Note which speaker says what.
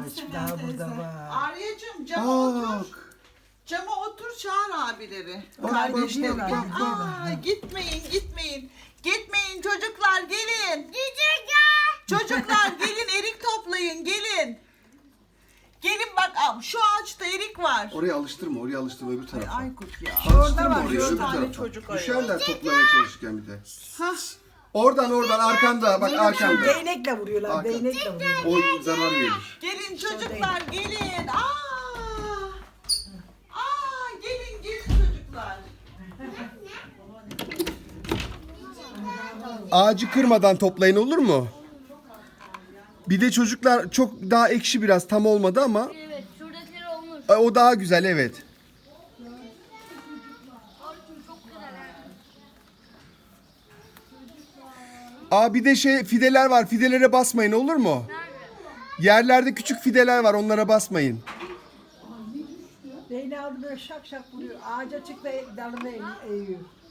Speaker 1: küçük daha burada var.
Speaker 2: Arya'cığım cama otur. Cama otur, çağır abileri. Kardeşleri.
Speaker 1: bak, bak, bak.
Speaker 2: Aa, gitmeyin. Gitmeyin çocuklar, gelin. Çocuklar gelin, erik toplayın, gelin. Gelin bak, şu ağaçta erik var.
Speaker 3: Oraya alıştırma öbür tarafa.
Speaker 2: Aykut ya.
Speaker 3: Alıştırma
Speaker 1: var,
Speaker 3: oraya
Speaker 1: dört
Speaker 3: öbür
Speaker 2: tane
Speaker 3: tarafa.
Speaker 2: çocuk
Speaker 3: Düşerler toplamaya çalışırken bir de.
Speaker 2: Hah.
Speaker 3: Oradan arkanda bak arkanda.
Speaker 1: Değnekle vuruyorlar,
Speaker 3: Hakan.
Speaker 1: değnekle vuruyorlar.
Speaker 3: O zarar verir.
Speaker 2: Gelin çocuklar, gelin. Gelin çocuklar.
Speaker 3: Ağacı kırmadan toplayın, olur mu? Bir de çocuklar çok daha ekşi, biraz tam olmadı ama
Speaker 4: Evet, şuradakiler olmuş.
Speaker 3: o daha güzel, evet.
Speaker 4: Orçun çok güzel.
Speaker 3: Bir de fideler var. Fidelere basmayın, olur mu? Yerlerde küçük fideler var, onlara basmayın.
Speaker 1: Değneği aldı böyle şak şak vuruyor. Ağaca çıktı dalını eğiyor.